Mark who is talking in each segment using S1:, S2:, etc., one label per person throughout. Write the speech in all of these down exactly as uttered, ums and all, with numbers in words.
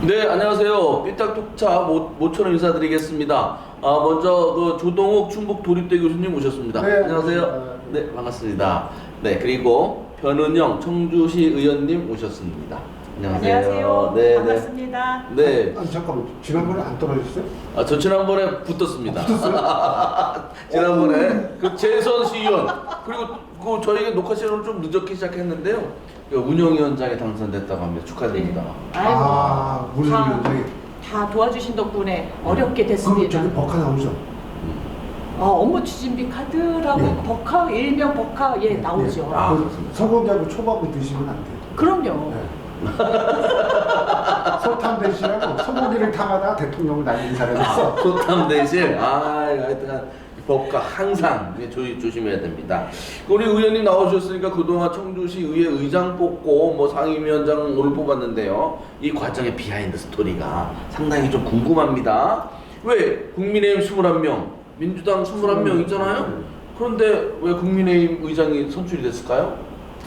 S1: 네, 안녕하세요. 삐딱톡차 모처럼 인사드리겠습니다. 아, 먼저 그 조동욱 충북 도립대 교수님 모셨습니다.
S2: 네,
S1: 안녕하세요.
S2: 반갑습니다.
S1: 네, 반갑습니다. 네, 그리고 변은영 청주시 의원님 모셨습니다. 안녕하세요.
S3: 안녕하세요.
S1: 네,
S3: 반갑습니다.
S1: 네. 네.
S2: 아니 잠깐만, 지난번에 안 떨어졌어요?
S1: 아, 저 지난번에 붙었습니다. 지난번에 그 재선 시의원 그리고 그 저희가 녹화 시간을 좀 늦게 시작했는데요. 그 운영위원장에 당선됐다고 합니다. 축하드립니다.
S3: 네. 아이고,
S2: 아, 무슨
S3: 다,
S2: 위원장이?
S3: 다 도와주신 덕분에 어렵게
S2: 그럼
S3: 됐습니다.
S2: 저기 버카 나오죠?
S3: 어, 업무 추진비 카드라고
S2: 예.
S3: 버카, 일명 버카 예 나오죠.
S1: 아,
S2: 그
S1: 그렇습니다.
S2: 소고기하고 초밥을 드시면 안 돼요.
S3: 그럼요.
S2: 네. 소탐 대신하고 소고기를 탐하다 대통령을 날린 사람이 있어.
S1: 소탐 대신 아 하여튼 법과 항상 조, 조심해야 됩니다. 우리 의원님 나오셨으니까 그동안 청주시 의회 의장 뽑고 뭐 상임위원장 오늘 뽑았는데요. 이 과정의 비하인드 스토리가 상당히 좀 궁금합니다. 왜 국민의힘 이십일 명, 민주당 이십일 명 있잖아요. 그런데 왜 국민의힘 의장이 선출이 됐을까요?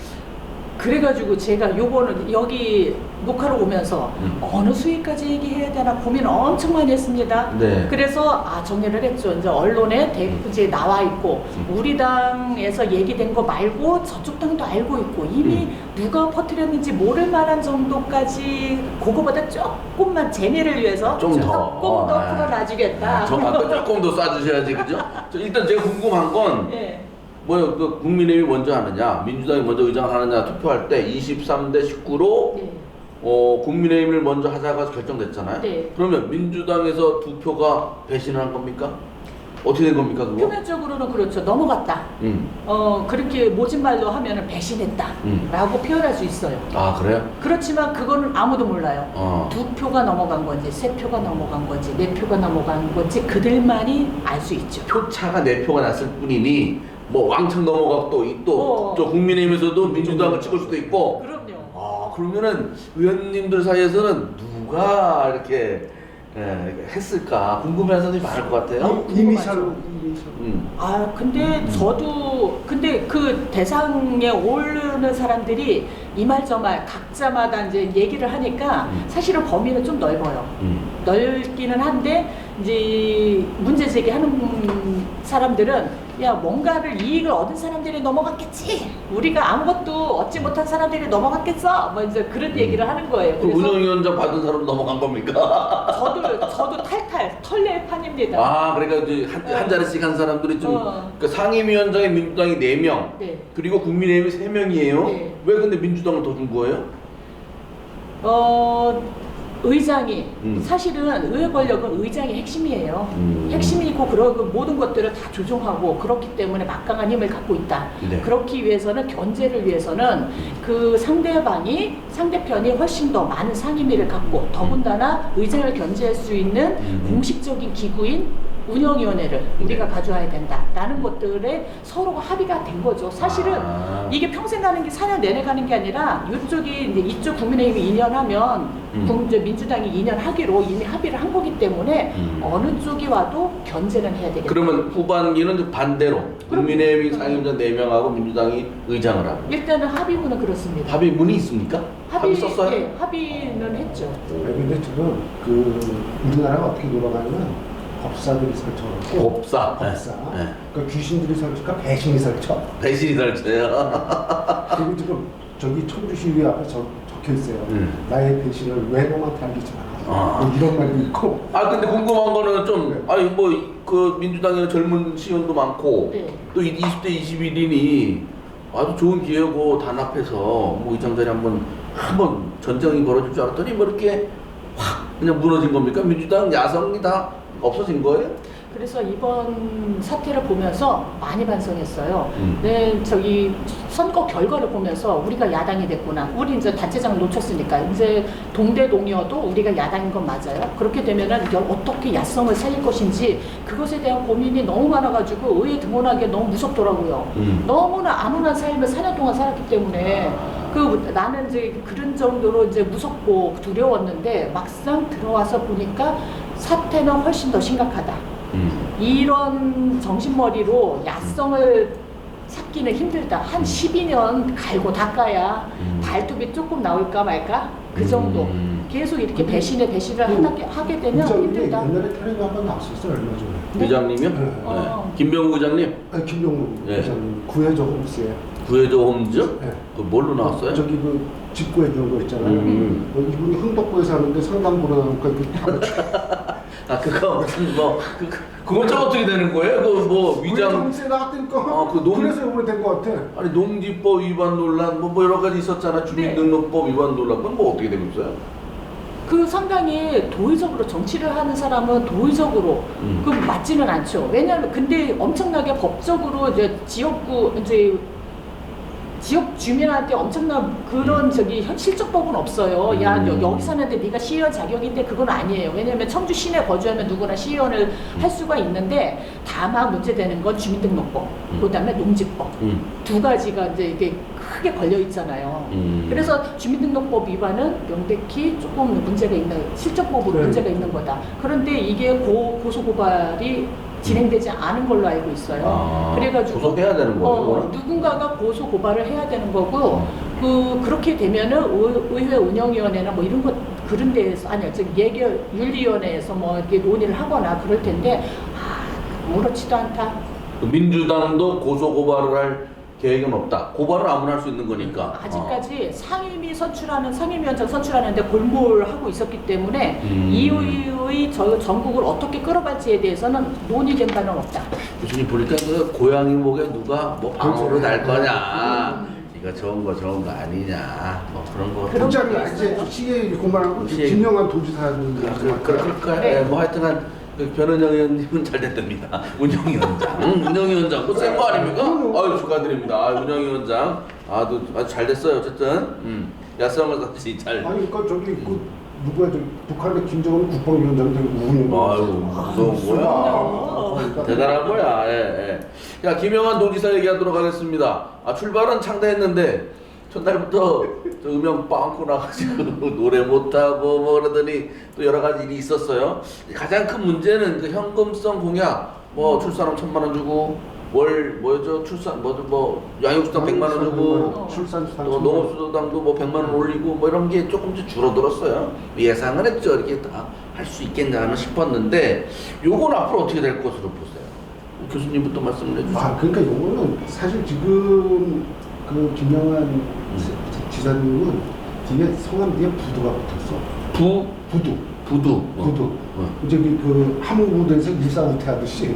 S3: 그래가지고 제가 요거는 여기 녹화로 오면서
S1: 음.
S3: 어느 수위까지 얘기해야 되나 고민 엄청 많이 했습니다.
S1: 네.
S3: 그래서 아 정리를 했죠. 이제 언론에 대,
S1: 음.
S3: 이제 나와 있고
S1: 음.
S3: 우리 당에서 얘기된 거 말고 저쪽 당도 알고 있고 이미
S1: 음.
S3: 누가 퍼뜨렸는지 모를 만한 정도까지 그거보다 조금만 재미를 위해서
S1: 좀 더.
S3: 조금 더
S1: 아.
S3: 풀어놔주겠다.
S1: 저 아까 조금 더 쏴주셔야지, 그죠? 저 일단 제가 궁금한 건
S3: 예.
S1: 뭐요? 그 국민의힘이 먼저 하느냐, 민주당이 먼저 의장을 하느냐 투표할 때 이십삼 대 십구로
S3: 네.
S1: 어, 국민의힘을 먼저 하자가 결정됐잖아요.
S3: 네.
S1: 그러면 민주당에서 두 표가 배신을 한 겁니까? 어떻게 된 겁니까 그거?
S3: 표면적으로는 그렇죠. 넘어갔다.
S1: 음.
S3: 어 그렇게 모진 말로 하면은 배신했다라고
S1: 음.
S3: 표현할 수 있어요.
S1: 아 그래요?
S3: 그렇지만 그거는 아무도 몰라요.
S1: 어.
S3: 두 표가 넘어간 건지 세 표가 넘어간 건지 네 표가 넘어간 건지 그들만이 알 수 있죠.
S1: 표차가 네 표가 났을 뿐이니 뭐 왕창 넘어가고 또또
S3: 어.
S1: 또 국민의힘에서도 민주당을 찍을 수도 있고.
S3: 그럼요.
S1: 아 그러면은 의원님들 사이에서는 누가 이렇게 예, 했을까 궁금해하는 사람들이 많을 것 같아요.
S2: 이- 이미셜로 이미셜.
S1: 음.
S3: 아 근데
S1: 음.
S3: 저도 근데 그 대상에 오르는 사람들이 이 말 저 말 각자마다 이제 얘기를 하니까
S1: 음.
S3: 사실은 범위는 좀 넓어요.
S1: 음.
S3: 넓기는 한데 이제 문제 제기하는 사람들은 야 뭔가를 이익을 얻은 사람들이 넘어갔겠지 우리가 아무것도 얻지 못한 사람들이 넘어갔겠어 뭐 이제 그런 얘기를 하는 거예요.
S1: 그 운영위원장 받은 사람 넘어간 겁니까?
S3: 저도 저도 탈탈 털레판입니다.
S1: 아 그러니까 이제 한,
S3: 네.
S1: 한 자리씩 한 사람들이 좀
S3: 어.
S1: 그러니까 상임위원장에 민주당이 네 명
S3: 네.
S1: 그리고 국민의힘이 세 명이에요.
S3: 네.
S1: 왜 근데 민주당을 더 준 거예요?
S3: 어 의장이
S1: 음.
S3: 사실은 의회 권력은 의장이 핵심이에요.
S1: 음.
S3: 핵심이고 그러고 모든 것들을 다 조종하고 그렇기 때문에 막강한 힘을 갖고 있다.
S1: 네.
S3: 그렇기 위해서는 견제를 위해서는 그 상대방이 상대편이 훨씬 더 많은 상임위를 갖고 더군다나 의장을 견제할 수 있는
S1: 음.
S3: 공식적인 기구인 운영위원회를 우리가
S1: 네.
S3: 가져와야 된다라는 것들에 서로가 합의가 된 거죠. 사실은
S1: 아.
S3: 이게 평생 가는 게 사 년 내내 가는 게 아니라 이쪽이 이제 이쪽 국민의힘이 이 년 하면
S1: 음.
S3: 국- 이제 민주당이 이 년 하기로 이미 합의를 한 거기 때문에
S1: 음.
S3: 어느 쪽이 와도 견제는 해야 되겠다.
S1: 그러면 후반기는 반대로 국민의힘이 상임위원장 네 명하고 민주당이 의장을 하고
S3: 일단은 합의문은 그렇습니다.
S1: 합의문이 있습니까? 합의, 썼어요?
S3: 예, 합의는 했죠.
S2: 아니, 근데 지금 그 우리나라가 어떻게 돌아가냐면 법사들이 설정하고
S1: 법사.
S2: 법사.
S1: 네. 네.
S2: 그러니까 귀신들이 설치까 배신이 설쳐.
S1: 배신이 설쳐요.
S2: 그리고 지금 저기 청주시위 앞에 적, 적혀 있어요.
S1: 음.
S2: 나의 배신을 외놈한테 알리지 마라.
S1: 아.
S2: 뭐 이런 말도 있고.
S1: 아 근데 궁금한 거는 좀
S2: 네.
S1: 아니 뭐 그 민주당에는 젊은 시의원도 많고
S3: 네.
S1: 또 이십 대 이십일 인이 아주 좋은 기회고 단합해서 뭐 의장 자리 한번 한번 전쟁이 벌어질 줄 알았더니 뭐 이렇게 확 그냥 무너진 겁니까? 민주당 야성이 다 없어진 거예요?
S3: 그래서 이번 사태를 보면서 많이 반성했어요.
S1: 음.
S3: 네, 저기 선거 결과를 보면서 우리가 야당이 됐구나. 우리 이제 단체장을 놓쳤으니까 이제 동대동이어도 우리가 야당인 건 맞아요. 그렇게 되면은 이제 어떻게 야성을 살릴 것인지 그것에 대한 고민이 너무 많아가지고 의회 등원하기 너무 무섭더라고요.
S1: 음.
S3: 너무나 안온한 삶을 사 년 동안 살았기 때문에
S1: 아.
S3: 그 나는 이제 그런 정도로 이제 무섭고 두려웠는데 막상 들어와서 보니까 사태는 훨씬 더 심각하다.
S1: 음.
S3: 이런 정신머리로 야성을 찾기는 힘들다. 한 십이 년 갈고 닦아야
S1: 음.
S3: 발톱이 조금 나올까 말까? 그 정도.
S1: 음.
S3: 계속 이렇게 배신에 배신을
S2: 그
S3: 하게, 하게 되면
S2: 의장님이
S3: 힘들다.
S2: 옛날에 텔레비 한번 나왔었어요 얼마 전에.
S1: 의장님이요?
S2: 네.
S1: 네.
S3: 어.
S1: 김병우 의장님
S2: 아니 김용우
S1: 네.
S2: 의장님 구해줘 홈스에.
S1: 구해줘 홈즈?
S2: 네.
S1: 그 뭘로 나왔어요?
S2: 저기 그 집구해 주는 거 있잖아요.
S1: 음.
S2: 어, 이분이 흥덕구에 사는데 상담보러 나오니까 그
S1: 아 그거 무슨 뭐 그, 그, 그건 좀 어떻게 되는 거예요? 그 뭐 위장
S2: 홈스에 나왔다니까.
S1: 아, 그 농-
S2: 그래서 이번에 된거 같아.
S1: 아니 농지법 위반 논란 뭐, 뭐 여러 가지 있었잖아. 주민등록법 위반 논란 그건 뭐 어떻게 되고 있어요?
S3: 그 상당히 도의적으로 정치를 하는 사람은 도의적으로
S1: 음.
S3: 그 맞지는 않죠. 왜냐하면 근데 엄청나게 법적으로 이제 지역구 이제 지역 주민한테 엄청난 그런
S1: 음.
S3: 저기 현- 실적법은 없어요. 야
S1: 음.
S3: 여, 여기 사는데 네가 시의원 자격인데 그건 아니에요. 왜냐하면 청주 시내 거주하면 누구나 시의원을
S1: 음.
S3: 할 수가 있는데 다만 문제되는 건 주민등록법,
S1: 음.
S3: 그다음에 농지법
S1: 음.
S3: 두 가지가 이제 이게 크게 걸려 있잖아요.
S1: 음.
S3: 그래서 주민등록법 위반은 명백히 조금 문제가 있는 실적법으로
S2: 네.
S3: 문제가 있는 거다. 그런데 이게 고, 고소고발이 진행되지 않은 걸로 알고 있어요.
S1: 아,
S3: 그래가지고
S1: 고소해야 되는 거예요,
S3: 어,
S1: 그거는?
S3: 누군가가 고소 고발을 해야 되는 거고 그 그렇게 되면은 의, 의회 운영위원회나 뭐 이런 것 그런 데에서 아니요, 즉 예결 윤리위원회에서 뭐 이렇게 논의를 하거나 그럴 텐데 아, 아무렇지도 않다.
S1: 그 민주당도 고소 고발을 할 계획은 없다. 고발은 아무나 할 수 있는 거니까.
S3: 아직까지 상임위 선출하는 상임위원장 선출하는데 골몰하고 있었기 때문에
S1: 음.
S3: 이후의 저 전국을 어떻게 끌어갈지에 대해서는 논의된 바는 없다.
S1: 교수님 보니까 그 고양이 목에 누가 뭐 방울을 달 거냐.
S3: 음.
S1: 이거 좋은 거 좋은 거 아니냐. 뭐 그런 거.
S3: 그런
S2: 부장이
S3: 거
S2: 이제 시계 그만하고
S1: 시계.
S2: 김영환 도지사님
S1: 그, 그, 그, 그럴까요?
S3: 네.
S1: 예, 뭐 하여튼간 그 변은영 의원님은 잘 됐답니다. 운영위원장. 응, 운영위원장. 그거 센거 아닙니까? 아유, 축하드립니다. 아, 운영위원장. 아주, 아주 잘 됐어요. 어쨌든. 음. 야성을 같이 잘.
S2: 아니 그러니까 저기 그 누구야 저 북한의 김정은 국방위원장 되고 운영.
S1: 아유, 무서운 거야. 대단한 거야. 예, 예. 야, 김영환 도지사 얘기하도록 하겠습니다. 아, 출발은 창대했는데 첫날부터 저 음영 빵꾸 나가지고 노래 못하고 뭐 그러더니 또 여러 가지 일이 있었어요. 가장 큰 문제는 그 현금성 공약, 뭐 출산금 천만 원 주고 월 뭐죠 출산 뭐뭐 뭐 양육수당 백만 원 주고
S2: 출산수당
S1: 또 농업수당도 뭐 백만 원 올리고 뭐 이런 게 조금씩 줄어들었어요. 예상을 했죠. 이렇게 다 할 수 있겠나 싶었는데 요건 앞으로 어떻게 될 것으로 보세요? 교수님부터 말씀을 해주세요.
S2: 아 그러니까 요거는 사실 지금 그 김영환 지- 지사님은 뒤에 성함 뒤에 부두가 붙었어.
S1: 부
S2: 부두.
S1: 부두
S2: 부두.
S1: 어.
S2: 이제 그, 그 함흥부대에서 일사후퇴하듯이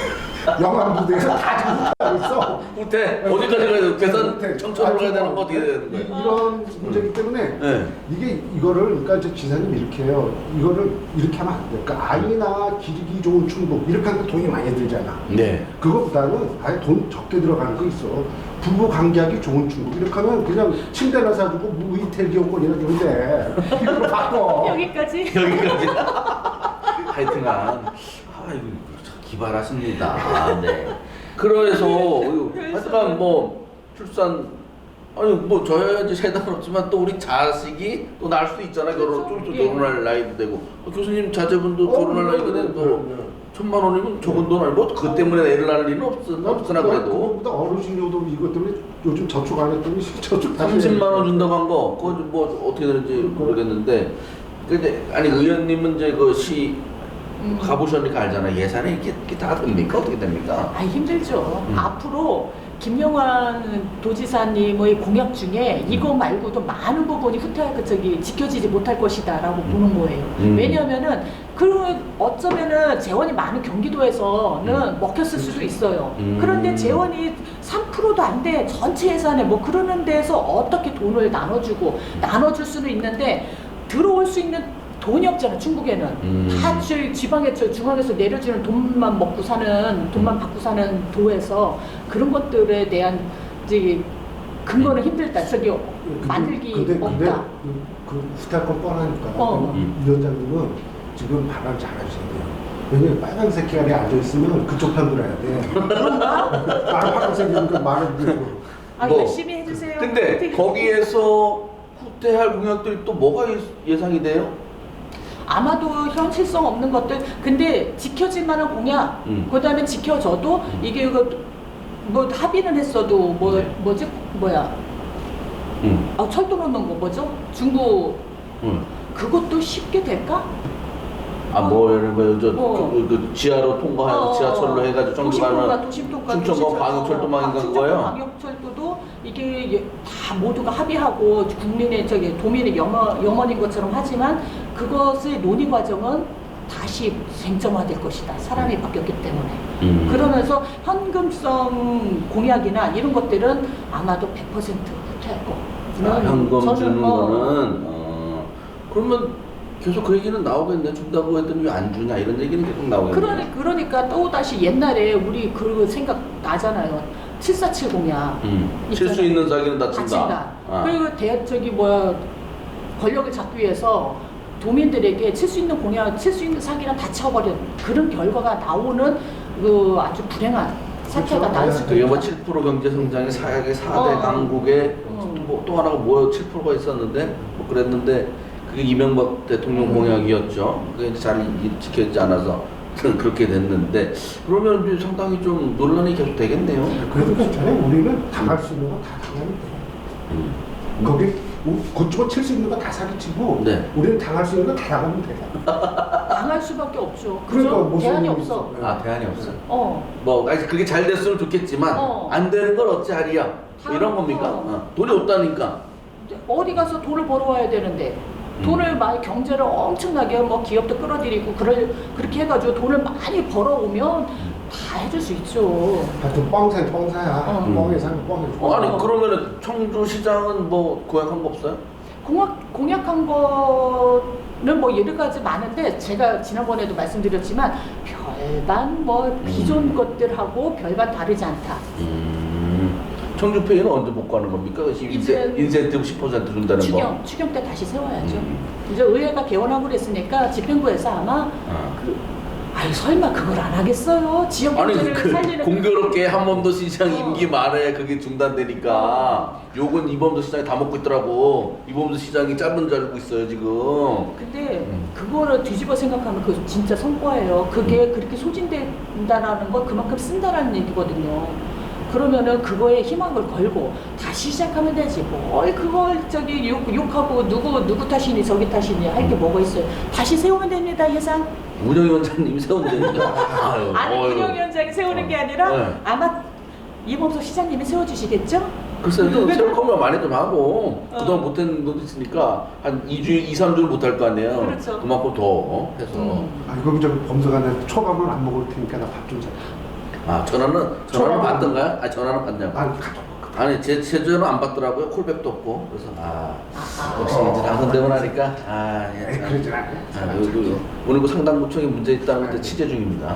S2: 영암부대에서 다 지금 후퇴하고 있어.
S1: 후퇴 어디까지 가야 돼요? 계산
S2: 후퇴.
S1: 청천으로 가야 되는
S2: 아,
S1: 거 어떻게 되는
S2: 이-
S1: 거예요?
S2: 이런 문제이기 때문에
S1: 네.
S2: 이게 이거를 그러니까 이제 지사님 이렇게 해요. 이거를 이렇게 하면 안 돼. 그러니까 아이나 기르기 좋은 충북 이렇게 하면 돈이 많이 들잖아.
S1: 네.
S2: 그것보다는 아예 돈 적게 들어가는 거 있어. 부부 관계하기 좋은 충북 이렇게 하면 그냥 침대나 사주고 무이텔 기업권이나 주면 돼. 이거 바꿔.
S3: 여기까지.
S1: 여기까지. 하여튼간 아이고 참 기발하십니다. 아, 네. 그래서 하여튼간 뭐 출산 아니 뭐 저야 이제 세상은 없지만 또 우리 자식이 또 낳을 수도 있잖아요. 결혼 좀 또
S3: 예.
S1: 결혼할 나이도 되고 어, 교수님 자제분도
S2: 어,
S1: 결혼할
S2: 네,
S1: 나이가
S2: 네,
S1: 돼도
S2: 네, 네.
S1: 천만 원이면 적은 돈 아니고 그 때문에 애를 낳을 일은 없, 없으나 그래도
S2: 그거보다 어르신료도 이것 때문에 요즘 저축 안 했더니 저축 다시
S1: 삼십만 원 준다고 한 거 그거 좀 뭐 어떻게 되는지 모르겠는데 근데 아니 의원님은 이제 그 시
S3: 음.
S1: 가보셨으니까 알잖아요. 예산이 이렇게, 이렇게 다 됩니까? 어떻게 됩니까?
S3: 아 힘들죠.
S1: 음.
S3: 앞으로 김영환 도지사님의 공약 중에 이거 말고도 많은 부분이 후퇴할 것 저기 지켜지지 못할 것이다라고
S1: 음.
S3: 보는 거예요.
S1: 음.
S3: 왜냐하면은 그 어쩌면은 재원이 많은 경기도에서는
S1: 음.
S3: 먹혔을 수도 있어요.
S1: 음.
S3: 그런데 재원이 삼 퍼센트도 안 돼. 전체 예산에 뭐 그러는 데서 어떻게 돈을 나눠주고 나눠줄 수는 있는데 들어올 수 있는 돈이 없잖아. 충북에는
S1: 음.
S3: 다 저희 지방에 저 중앙에서 내려주는 돈만 먹고 사는 돈만 받고 사는 도에서 그런 것들에 대한 이제 근거는 힘들다. 저기 만들기
S2: 근데, 근데
S3: 없다.
S2: 그, 그 후퇴할 건 뻔하니까
S3: 어.
S1: 음.
S2: 위원장님은 지금 발언 잘하셔야 돼요. 왜냐면 빨간색 계열에 앉아있으면 그쪽 편 들어야 돼.
S3: 그런가?
S2: 나는 파란색이니까 말을 듣고.
S3: 아
S1: 뭐.
S3: 열심히 해주세요.
S1: 근데
S3: 되게-
S1: 거기에서 후퇴할 공약들이 또 뭐가 예- 예상이 돼요?
S3: 아마도 현실성 없는 것들. 근데 지켜질 만한 공약.
S1: 음.
S3: 그다음에 지켜져도
S1: 음.
S3: 이게 그 뭐 합의는 했어도 뭐
S1: 네.
S3: 뭐지 뭐야?
S1: 응.
S3: 아 철도 넣는 거 뭐죠? 중부
S1: 응.
S3: 그것도 쉽게 될까?
S1: 아, 뭐 예를 들면 저
S3: 어.
S1: 그, 그 지하로 통과하는
S3: 어,
S1: 지하철로 해가지고 청주
S3: 도심통과,
S1: 가는
S3: 도심통과,
S1: 충청권
S3: 도시철도,
S1: 광역철도망인가
S3: 아,
S1: 그거예요?
S3: 충청권 광역철도도 이게 예- 다 모두가 합의하고 국민의 저기 도민의 염원, 염원인 것처럼 하지만 그것의 논의 과정은 다시 쟁점화될 것이다. 사람이 바뀌었기 때문에.
S1: 음.
S3: 그러면서 현금성 공약이나 이런 것들은 아마도 백 퍼센트 후퇴할 거.
S1: 아, 현금
S3: 저는
S1: 주는
S3: 뭐
S1: 거는 어, 그러면 계속 그 얘기는 나오겠네. 준다고 했더니 왜 안 주냐 이런 얘기는 계속 나오겠네.
S3: 그러니, 그러니까 또 다시 옛날에 우리 그 생각 나잖아요. 칠사칠 공약.
S1: 음. 칠 수 있는 사기는 다친다.
S3: 다친다.
S1: 아.
S3: 그리고 대 저기 뭐야 권력을 잡기 위해서 도민들에게 칠 수 있는 공약, 칠 수 있는 사기랑 다 쳐버린 그런 결과가 나오는 그 아주 불행한 사태가
S2: 그렇죠.
S3: 날 수도
S1: 그게 뭐
S3: 있다.
S1: 칠 퍼센트 경제 성장의 사약의 사 대
S3: 어.
S1: 강국에
S3: 어.
S1: 뭐 또 하나가 뭐요 칠 퍼센트가 있었는데 뭐 그랬는데 그게 이명박 대통령
S2: 음.
S1: 공약이었죠. 그게 이제 잘 이- 지켜지지 않아서 그렇게 됐는데 그러면 이제 상당히 좀 논란이 계속 되겠네요.
S2: 그래도 괜찮아요. 우리는 당할 수 있는 거 다 당하면 돼.
S1: 음.
S2: 거기 고치고 칠 수 있는 거 다 사기치고
S1: 네.
S2: 우리는 당할 수 있는 거 다 당하면 돼.
S3: 당할 수밖에 없죠.
S2: 그러니까
S3: 그죠?
S2: 무슨
S3: 대안이
S2: 일이
S3: 없어.
S2: 있어.
S1: 아 대안이 없어.
S3: 어.
S1: 뭐 아니 그게 잘 됐으면 좋겠지만
S3: 어.
S1: 안 되는 걸 어찌 하리야 뭐 이런 겁니까?
S3: 어.
S1: 어. 돈이 없다니까.
S3: 어디 가서 돈을 벌어와야 되는데
S1: 음.
S3: 돈을 많이 경제를 엄청나게 뭐 기업도 끌어들이고 그럴 그렇게 해가지고 돈을 많이 벌어오면 다 해줄 수 있죠.
S2: 하여튼 뻥사 뻥사야.
S3: 어.
S2: 뻥에 사는 뻥에.
S1: 어, 아니
S3: 어.
S1: 그러면은 청주시장은 뭐 고약한 거 없어요?
S3: 공약, 공약한 거는 뭐 여러 가지 많은데 제가 지난번에도 말씀드렸지만 별반 뭐 기존
S1: 음.
S3: 것들하고 별반 다르지 않다.
S1: 음. 청주페이는 언제 복구하는 겁니까? 인세,
S3: 이제
S1: 인센티브 십 퍼센트 준다는 거.
S3: 추경, 추경 때 다시 세워야죠.
S1: 음.
S3: 이제 의회가 개원하고 그랬으니까 집행부에서 아마
S1: 아.
S3: 그 아유 설마 그걸 안 하겠어요? 지역
S1: 아니
S3: 경제를
S1: 그
S3: 살리는
S1: 공교롭게 한범도 시장
S3: 어.
S1: 임기 말에 그게 중단되니까 욕은 이범도 시장이 다 먹고 있더라고. 이범도 시장이 짧은 줄 알고 있어요 지금.
S3: 근데
S1: 음.
S3: 그거를 뒤집어 생각하면 그 진짜 성과예요. 그게 그렇게 소진된다라는 건 그만큼 쓴다라는 얘기거든요. 그러면은 그거에 희망을 걸고 다시 시작하면 되지. 뭘 그걸 저기 욕, 욕하고 누구 누구 탓이니 저기 탓이니 할 게 뭐가 있어요. 다시 세우면 됩니다 예산.
S1: 운영위원장님이 세운다니까. 아유,
S3: 아니
S1: 어휴.
S3: 운영위원장이 세우는 게 아니라
S1: 네.
S3: 아마 이범석 시장님이 세워주시겠죠?
S1: 글쎄요, 좀 세울 거면 많이 좀 하고
S3: 어.
S1: 그동안 못한 것도 있으니까 한 이 주, 이, 삼 주를 못할 거 아니에요.
S3: 그렇죠.
S1: 그만큼 더 해서.
S3: 음.
S2: 아 이거 좀 범석한테 초밥은 안 먹을 테니까 나 밥 좀 사.
S1: 아 전화는 전화는
S2: 전화는-
S1: 받던가요? 아 전화는 받냐고?
S2: 아 가져.
S1: 아니 제 제주는 안 받더라고요. 콜백도 없고 그래서 아
S3: 아하.
S1: 역시 이제 당선되고 나니까 아 예,
S2: 에이,
S1: 참.
S2: 그러진 않아요.
S1: 아, 그, 그, 오늘 그 상당구청에 문제 있다는 건데 취재 중입니다.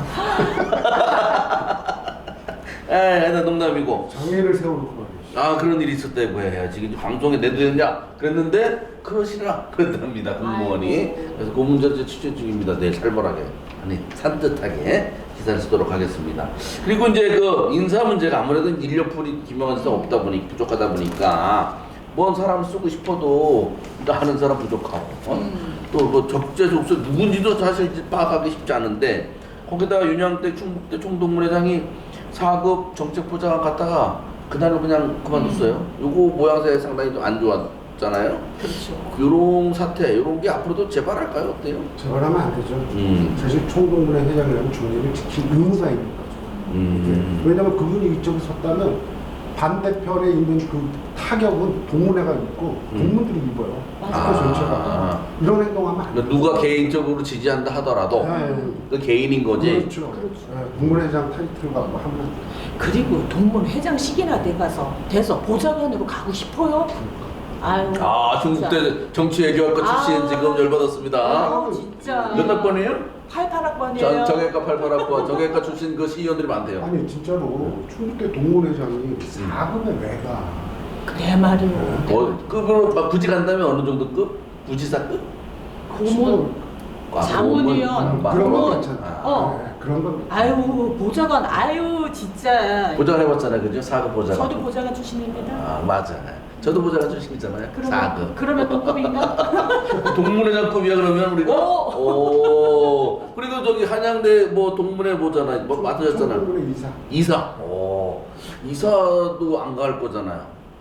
S1: 에, 하여튼 농담이고.
S2: 장애를 세워놓고 말이지.
S1: 아 그런 일이 있었다고 해요. 지금 이제 방송에 내도 되느냐 그랬는데 그러시라 그런답니다 공무원이.
S3: 아이고.
S1: 그래서 그 문제를 이제 취재 중입니다. 내일 살벌하게 아니 산뜻하게 기사를 쓰도록 하겠습니다. 그리고 이제 그 인사 문제가 아무래도 인력풀이 김영환 씨가 없다 보니 부족하다 보니까 뭔 사람 쓰고 싶어도 또 하는 사람 부족하고 어?
S3: 음.
S1: 또 뭐 적재적소 누군지도 사실 이제 파악하기 쉽지 않은데 거기다가 윤양대 충북대 총동문회장이 사 급 정책부장을 갖다가 그날로 그냥 그만뒀어요. 요거 모양새 상당히 좀 안 좋았잖아요.
S3: 그렇죠.
S1: 요런 사태, 요런 게 앞으로도 재발할까요? 어때요?
S2: 저러면 안 되죠.
S1: 음.
S2: 사실 총동문회 회장이라면 중립을 지킬 의무가 있는 거죠.
S1: 음.
S2: 왜냐면 그분이 이쪽에 섰다면 반대편에 있는 그 타격은 동문회가 입고
S1: 음.
S2: 국민들이 입어요.
S3: 맞아.
S2: 학교 전체가.
S1: 아.
S2: 이런 행동하면 안
S1: 그러니까
S2: 돼요.
S1: 누가 개인적으로 지지한다 하더라도
S2: 네.
S1: 그 개인인 거지.
S2: 그렇죠.
S3: 그렇죠.
S2: 네, 동문회장 타이틀 갖고 하면
S3: 그리고 동문 회장식이나 돼가서 돼서 보좌관으로 가고 싶어요. 아유.
S1: 아
S3: 진짜.
S1: 중국대 정치외교학과 출신
S3: 아.
S1: 지금 열받았습니다.
S3: 아유, 진짜.
S1: 몇 학번이에요?
S3: 팔팔 학번이에요.
S1: 전 정외과 팔팔 학번, 정외과 출신 그 시의원들이 많대요.
S2: 아니 진짜로 충북대 동문회장이 사 급에 왜 가?
S3: 그래 말이요.
S1: 뭐 급으로 막 굳이 간다면 어느 정도 급? 부지사급?
S3: 고문,
S1: 아,
S3: 자문위원,
S1: 고문,
S2: 그런 건
S3: 고문.
S2: 괜찮아.
S3: 어.
S2: 네, 그런 건
S3: 아유 보좌관, 아유 진짜.
S1: 보좌관 해봤잖아요, 그죠? 사급 보좌관.
S3: 저도 보좌관 출신입니다.
S1: 아 맞아. 저도 보좌관 출신이잖아요.
S3: 그러면
S1: 사급.
S3: 그러면 동급인가?
S1: 동문회장급이야 그러면 우리가.
S3: 오.
S1: 오. 그리고 저기 한양대 뭐 동문회 보잖아요. 뭐 맡으셨잖아요.
S2: 총동문회 이사.
S1: 이사. 오. 이사도 안 갈 거잖아요.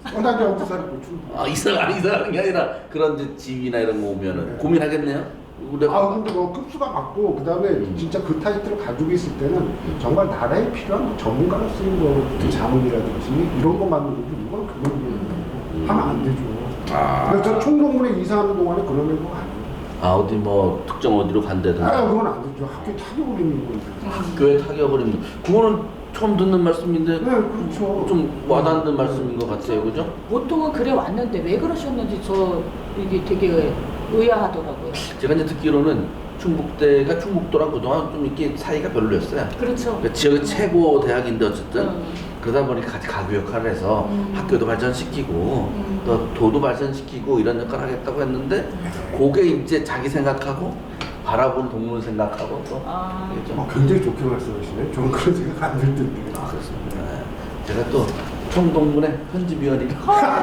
S2: 어, 나 이제 어디 살고 충북.
S1: 아 이사 아니 이사하는 게 아니라 그런 이제 집이나 이런 거 오면은
S2: 네.
S1: 고민하겠네요. 우리가
S2: 아 근데 뭐 급수가 맞고 그 다음에
S1: 음.
S2: 진짜 그 타이틀을 가지고 있을 때는 정말 나라에 필요한 뭐 전문가로 쓰인 거 자문이라든지 이런 거 만든 거지 이건 그걸
S1: 음.
S2: 하면 안 되죠.
S1: 아.
S2: 그래서 저 총동문에 이사하는 동안에 그런 거 아니에요.
S1: 아 어디 뭐 특정 어디로 간다든지
S2: 아 그건 안 되죠. 학교 타격을 입는 건데.
S1: 학교에 타격을 입는 그거는 처음 듣는 말씀인데
S2: 네 그렇죠.
S1: 좀 와닿는 말씀인 것 같아요, 그죠?
S3: 보통은 그래 왔는데 왜 그러셨는지 저 이게 되게 의아하더라고요.
S1: 제가 이제 듣기로는 충북대가 충북도랑 그동안 좀 이렇게 사이가 별로였어요.
S3: 그렇죠.
S1: 그러니까 지역의 최고 대학인데 어쨌든
S3: 음.
S1: 그러다 보니까 같이 가구 역할을 해서
S3: 음.
S1: 학교도 발전시키고
S3: 음.
S1: 또 도도 발전시키고 이런 역할을 하겠다고 했는데 그게 이제 자기 생각하고 바라보는 동물 생각하고 또
S3: 아.
S1: 이게 좀
S2: 어, 굉장히 좋게 말씀하시네. 저는 그런 생각 안 들 텐데.
S1: 아, 그렇습니다. 네. 제가 또 총동문의 편집위원이라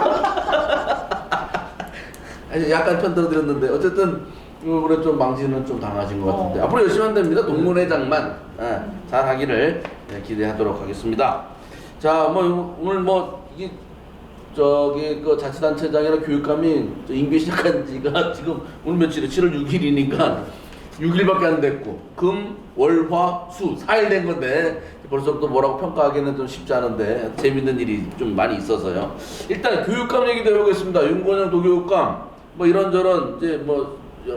S1: 아니, 약간 편들어드렸는데 어쨌든 이번에 좀 망신은 좀 당하신 것 같은데
S3: 어.
S1: 앞으로 열심히 하면 됩니다. 동문회장만 예, 잘 하기를 예, 기대하도록 하겠습니다. 자, 뭐 오늘 뭐 이게 저기 그 자치단체장이나 교육감이 저 임기 시작한 지가 지금 오늘 며칠이 칠월 육일이니까 육 일밖에 안 됐고 금, 월, 화, 수 사 일 된 건데 벌써부터 뭐라고 평가하기는 좀 쉽지 않은데 재밌는 일이 좀 많이 있어서요. 일단 교육감 얘기도 해보겠습니다. 윤건영 도교육감 뭐 이런저런 이제 뭐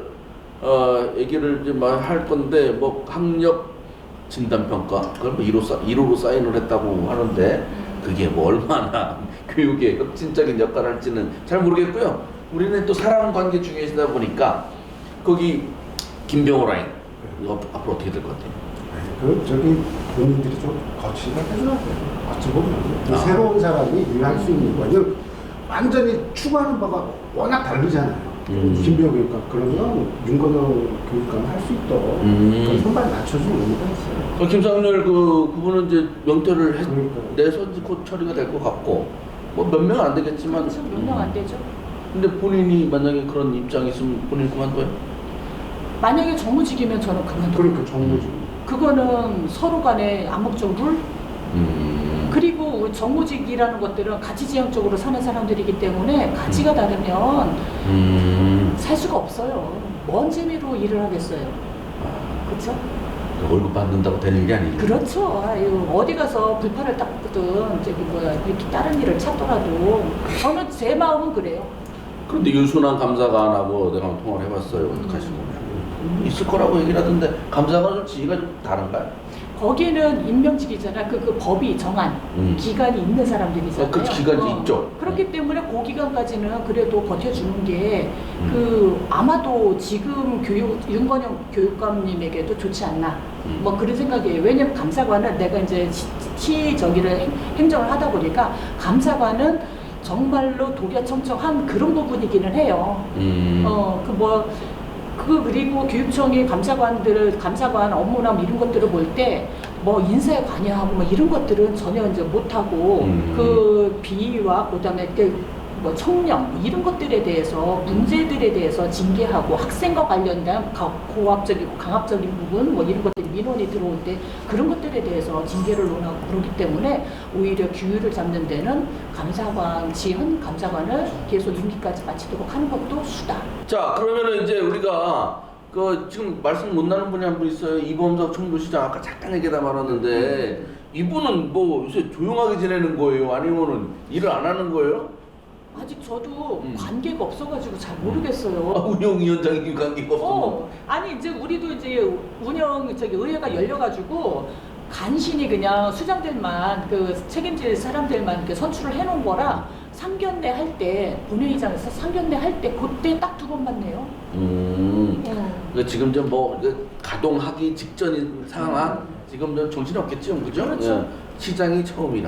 S1: 어, 얘기를 이제 막 할 건데 뭐 학력 진단 평가 그걸 뭐 일 호 일 호로 사인을 했다고 하는데 그게 뭐 얼마나 교육에 혁신적인 역할을 할지는 잘 모르겠고요. 우리는 또 사람 관계 중이시다 보니까 거기 김병호 라인 이거 앞으로 어떻게 될 것 같아요?
S2: 그 저기 본인들이 좀 거치가 해줘야 돼요. 어찌 보면 그
S1: 아.
S2: 새로운 사람이 일할 수 있는 거는 완전히 추구하는 바가 워낙 다르잖아요.
S1: 음.
S2: 김병호 교육감 그러면 윤건영 교육감 할 수 있도록
S1: 음.
S2: 그 선발 맞춰주는 의미가 있어요.
S1: 어, 김상렬 그 그분은 이제 명퇴를 해,
S2: 그러니까요.
S1: 내서 이제 곧 처리가 될 것 같고 뭐 몇 명 안 되겠지만
S3: 그렇죠. 몇 명 안 되죠.
S1: 근데 본인이 만약에 그런 입장이 있으면 본인 그만둬요?
S3: 만약에 정무직이면 저는 그만둬요.
S2: 그러니까 정부지.
S3: 그거는 서로 간에 암묵적 룰
S1: 음.
S3: 그리고 정무직이라는 것들은 가치지향적으로 사는 사람들이기 때문에 가치가 다르면
S1: 음.
S3: 살 수가 없어요. 뭔 재미로 일을 하겠어요. 그렇죠?
S1: 월급 받는다고 되는 게 아니에요.
S3: 그렇죠. 아유, 어디 가서 불판을 닦든 저기 뭐야 이렇게 다른 일을 찾더라도 저는 제 마음은 그래요.
S1: 그런데 유순환 감사관하고 내가 한번 통화를 해봤어요. 어떡하시고 있을 거라고 얘기를 하던데 감사관은 지위가 좀 다른가요?
S3: 거기는 임명직이잖아. 그, 그 법이 정한
S1: 음.
S3: 기간이 있는 사람들이잖아요.
S1: 어, 그 기간이 있죠.
S3: 그렇기 때문에 그 기간까지는 그래도 버텨주는 게
S1: 음.
S3: 그 아마도 지금 교육 윤건영 교육감님에게도 좋지 않나.
S1: 음.
S3: 뭐 그런 생각이에요. 왜냐면 감사관은 내가 이제 시, 시 저기를 행, 행정을 하다 보니까 감사관은 정말로 독야청청한 그런 부분이기는 해요.
S1: 음.
S3: 어, 그 뭐, 그, 그리고 교육청이 감사관들, 감사관 업무나 뭐 이런 것들을 볼 때, 뭐 인사에 관여하고 뭐 이런 것들은 전혀 이제 못하고,
S1: 음.
S3: 그 비위와 그 다음에 그 뭐 청렴, 뭐 이런 것들에 대해서, 문제들에 대해서 징계하고 학생과 관련된 가- 고압적이고 강압적인 부분, 뭐 이런 것들이 민원이 들어올 때 그런 것들에 대해서 징계를 논하고 그렇기 때문에 오히려 규율을 잡는 데는 감사관, 지은 감사관을 계속 임기까지 마치도록 하는 것도 수다.
S1: 자 그러면은 이제 우리가 그 지금 말씀 못 나눈 분이 한 분 있어요. 이범석 청주시장 아까 잠깐 얘기다 말았는데 이분은 뭐 요새 조용하게 지내는 거예요? 아니면은 일을 안 하는 거예요?
S3: 아직 저도
S1: 음.
S3: 관계가 없어가지고 잘 모르겠어요.
S1: 아, 운영위원장님 관계가 없어.
S3: 어, 아니 이제 우리도 이제 운영 저기 의회가 열려가지고 간신히 그냥 수장들만 그 책임질 사람들만 이렇게 선출을 해놓은 거라 상견례 할 때 본회의장에서 상견례 할 때 그때 딱 두 번 봤네요.
S1: 음.
S3: 어.
S1: 그 지금 좀뭐 가동하기 직전인 상황 지금 좀 정신 없겠죠, 그죠?
S3: 그렇죠.
S1: 예. 시장이 처음이라.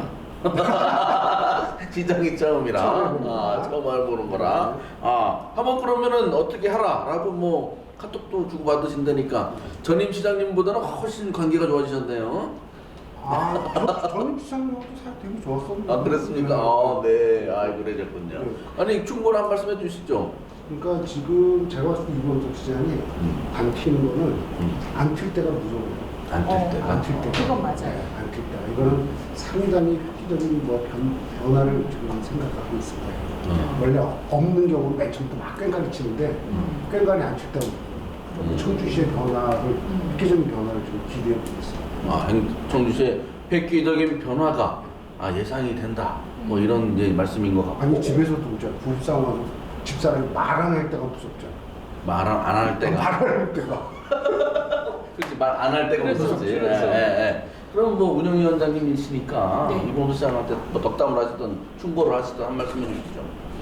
S1: 시장이 처음이라.
S2: 처음
S1: 아, 처음 알보는 거라. 아, 한번 그러면은 어떻게 하라라고 뭐 카톡도 주고 받으신다니까 전임 시장님보다는 훨씬 관계가 좋아지셨네요.
S2: 아, 저, 저는 시장님하고 사이 되게 좋았었는데.
S1: 아, 그랬습니까? 아, 네. 아, 그러셨군요.
S2: 네.
S1: 아니, 충고를 한 말씀 해주시죠.
S2: 그러니까 지금 제가 봤을 때 이범석 시장이
S1: 음.
S2: 안 튀는 거는
S1: 음.
S2: 안 튈 때가 무서워요.
S1: 안 뛸 때.
S3: 어,
S2: 안 튈 때.
S3: 그건 맞아요.
S2: 네, 안튈 때. 이거는 상당히 획기적인 뭐 변, 변화를 지금 생각하고 있습니다.
S1: 음.
S2: 원래 없는 경우는 맨 처음부터 막 꽹과리 치는데
S3: 음.
S2: 꽹과리 안 쳤다고
S1: 음.
S2: 청주시의 변화를
S3: 음.
S2: 획기적인 변화를 좀 기대해 보고 있습니다.
S1: 아, 행- 청주시의 획기적인 변화가 아, 예상이 된다. 뭐 이런 이제 말씀인 것 같고.
S2: 아니 집에서도 이제 부부싸움 와서 집사람이 말 안 할 때가 무섭잖아.
S1: 말 안 할 때가.
S2: 말 안 할 때가.
S1: 그렇지, 말 안 할 때가
S3: 그렇죠,
S1: 없었지.
S3: 그렇죠.
S1: 예, 예, 예. 그럼 뭐 운영위원장님이시니까
S3: 네.
S1: 이봉수 시장한테 뭐 덕담을 하시든 충고를 하시든 한 말씀 해주시죠.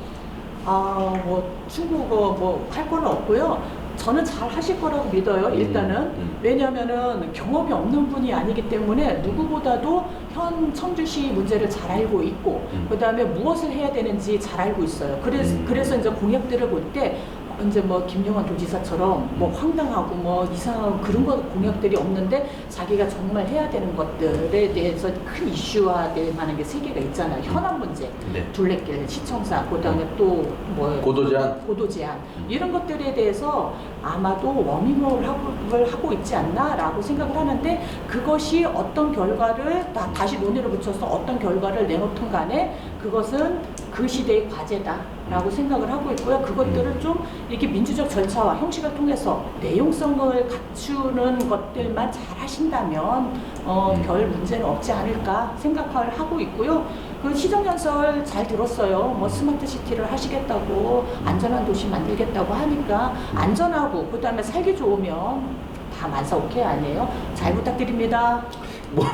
S3: 아, 뭐 중국어 뭐 할 거는 없고요. 저는 잘 하실 거라고 믿어요.
S1: 음,
S3: 일단은
S1: 음.
S3: 왜냐하면은 경험이 없는 분이 아니기 때문에 누구보다도 현 청주시 문제를 잘 알고 있고
S1: 음.
S3: 그다음에 무엇을 해야 되는지 잘 알고 있어요. 그래서
S1: 음.
S3: 그래서 이제 공약들을 볼 때 이제 뭐 김용환 도지사처럼 뭐
S1: 음.
S3: 황당하고 뭐 이상한 그런 거 공약들이 없는데 자기가 정말 해야 되는 것들에 대해서 큰 이슈화될 만한 게 세 개가 있잖아요. 현안 문제,
S1: 네.
S3: 둘레길, 시청사, 그다음에 또 뭐
S1: 고도 제한.
S3: 고도 제한 이런 것들에 대해서 아마도 워밍업을 하고, 하고 있지 않나라고 생각을 하는데 그것이 어떤 결과를 다, 다시 논의를 붙여서 어떤 결과를 내놓든 간에 그것은 그 시대의 과제다라고 생각을 하고 있고요. 그것들을 좀 이렇게 민주적 절차와 형식을 통해서 내용성을 갖추는 것들만 잘 하신다면 어,
S1: 음.
S3: 별 문제는 없지 않을까 생각을 하고 있고요. 그 시정연설 잘 들었어요. 뭐 스마트 시티를 하시겠다고 안전한 도시 만들겠다고 하니까 안전하고 그다음에 살기 좋으면 다 만사 오케이 아니에요? 잘 부탁드립니다.
S1: 뭐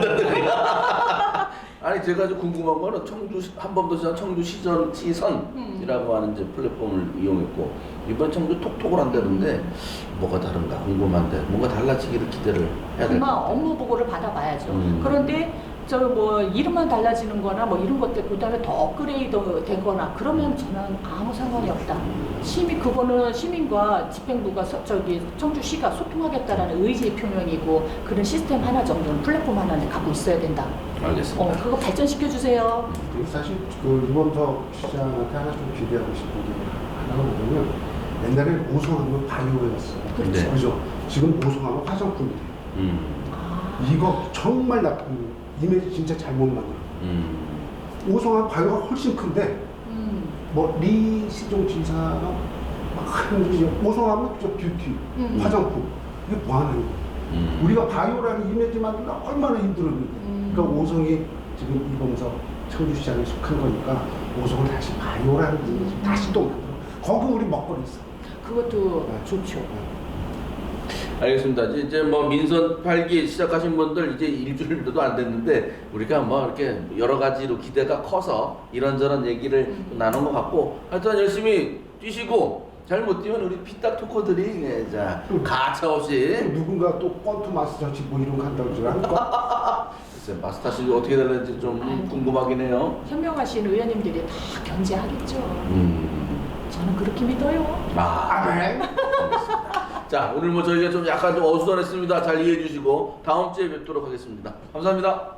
S1: 잘못했더니 아니 제가 좀 궁금한 거는 청주 한번더 청주 시전 시선이라고 하는 이제 플랫폼을 이용했고 이번 청주 톡톡을 한다는데 뭐가 다른가 궁금한데 뭔가 달라지기를 기대를 해야 될 것
S3: 아마
S1: 같아요.
S3: 업무 보고를 받아봐야죠.
S1: 음.
S3: 그런데 저 뭐 이름만 달라지는 거나 뭐 이런 것들 그다음에 더 업그레이드 되거나 그러면 저는 아무 상관이 없다. 시민 그거는 시민과 집행부가 서, 저기 청주시가 소통하겠다라는 의지 표명이고 그런 시스템 하나 정도는 플랫폼 하나는 갖고 있어야 된다.
S1: 알겠습니다.
S3: 어 그거 발전시켜 주세요.
S2: 그리고 사실 그 이범석 시장한테 하나 좀 기대하고 싶은 게 하나가 뭐냐면 옛날에 오송하면 바이오였어요.
S3: 그렇죠.
S1: 네.
S2: 그죠? 지금 오송하면 화장품이 돼요.
S1: 음,
S3: 아,
S2: 이거 정말 나쁜 이미지 진짜 잘못 만들어.
S1: 음,
S2: 오송하면 바이오가 훨씬 큰데
S3: 음,
S2: 뭐 리시종 지사가 막 하는 게 오송하면 저 뷰티,
S3: 음.
S2: 화장품 이게 뭐 하는 거야?
S1: 음.
S2: 우리가 바이오라는 이미지 만들기 얼마나 힘들었는데.
S3: 음.
S2: 그러니까 오송이 지금 이범석 청주시장에 속한 거니까 오송을 다시 바이오라는 이미지 다시 또 만들어. 거기 우리 먹거리 있어.
S3: 그것도
S2: 네.
S3: 좋죠.
S1: 알겠습니다. 이제- 이제 뭐 민선 팔 기 시작하신 분들 이제 일주일도 안 됐는데 우리가 뭐 이렇게 여러 가지로 기대가 커서 이런저런 얘기를
S3: 음.
S1: 나눈 것 같고 하여튼 열심히 뛰시고 잘 못 뛰면 우리 피딱 토커들이 예, 자 가차 없이
S2: 누군가 또 권투 마스터치 뭐 이런 거 한다고 줄 알까?
S1: 글쎄 마스터십이 어떻게 될는지 좀
S3: 아이고.
S1: 궁금하긴 해요.
S3: 현명하신 의원님들이 다 견제하겠죠.
S1: 음.
S3: 저는 그렇게 믿어요.
S1: 아.
S2: 아멘.
S1: 자 오늘 뭐 저희가 좀 약간 좀 어수선했습니다. 잘 이해해 주시고 다음 주에 뵙도록 하겠습니다. 감사합니다.